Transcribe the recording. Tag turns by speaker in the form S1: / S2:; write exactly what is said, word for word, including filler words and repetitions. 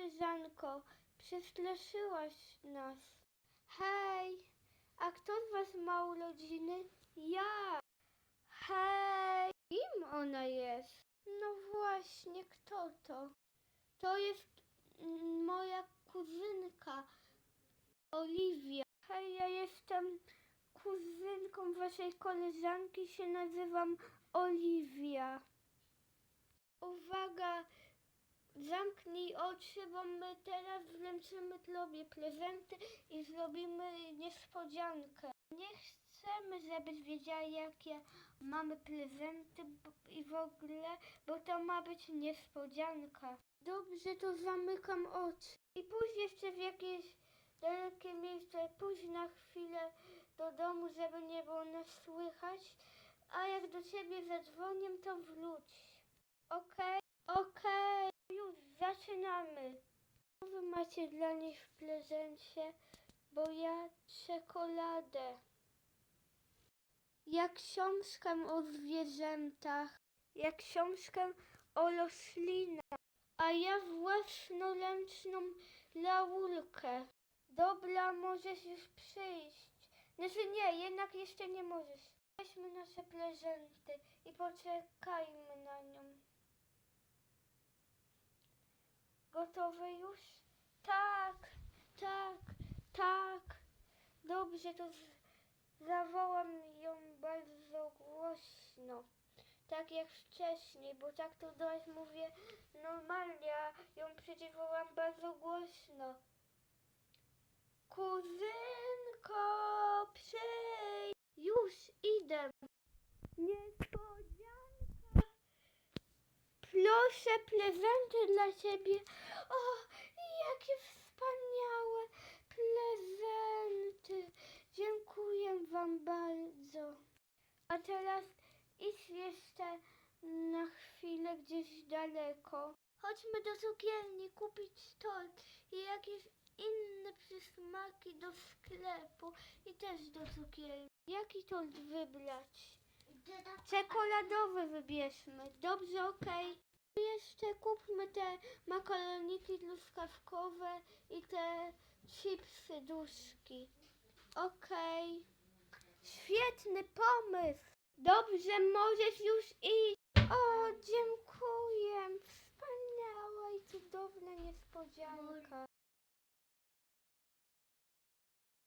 S1: koleżanko, przestraszyłaś nas. Hej, a kto z was ma urodziny? Ja. Hej, kim ona jest? No właśnie, kto to? To jest mm, moja kuzynka, Oliwia. Hej, ja jestem kuzynką waszej koleżanki, się nazywam Oliwia. Uwaga, zamknij oczy, bo my teraz wręczymy tobie prezenty i zrobimy niespodziankę. Nie chcemy, żebyś wiedziała, jakie mamy prezenty b- i w ogóle, bo to ma być niespodzianka. Dobrze, to zamykam oczy. I pójdź jeszcze w jakieś dalekie miejsce, pójdź na chwilę do domu, żeby nie było nas słychać, a jak do ciebie zadzwonię, to wróć. Okej? Okej, już zaczynamy. Co wy macie dla nich w prezencie? Bo ja czekoladę. Jak książkę o zwierzętach, jak książkę o roślinach, a ja własnoręczną laurkę. Dobra, możesz już przyjść. Znaczy nie, jednak jeszcze nie możesz. Weźmy nasze prezenty i poczekajmy na nią. Gotowe już? Tak, tak, tak. Dobrze, to z- zawołam ją bardzo głośno. Tak jak wcześniej, bo tak to do was mówię normalnie, a ją przecież wołam bardzo głośno. Kuzynko, przyjdź! Już idę. Niespodzianka. Proszę, prezenty dla ciebie. O, jakie wspaniałe prezenty. Dziękuję wam bardzo. A teraz idź jeszcze na chwilę gdzieś daleko. Chodźmy do cukierni kupić tort i jakieś inne przysmaki do sklepu i też do cukierni. Jaki tort wybrać? Czekoladowy wybierzmy. Dobrze, okej. Jeszcze kupmy te makaroniki truskawkowe i te chipsy duszki. Okej. Świetny pomysł. Dobrze, możesz już iść. O, dziękuję. Wspaniała i cudowna niespodzianka.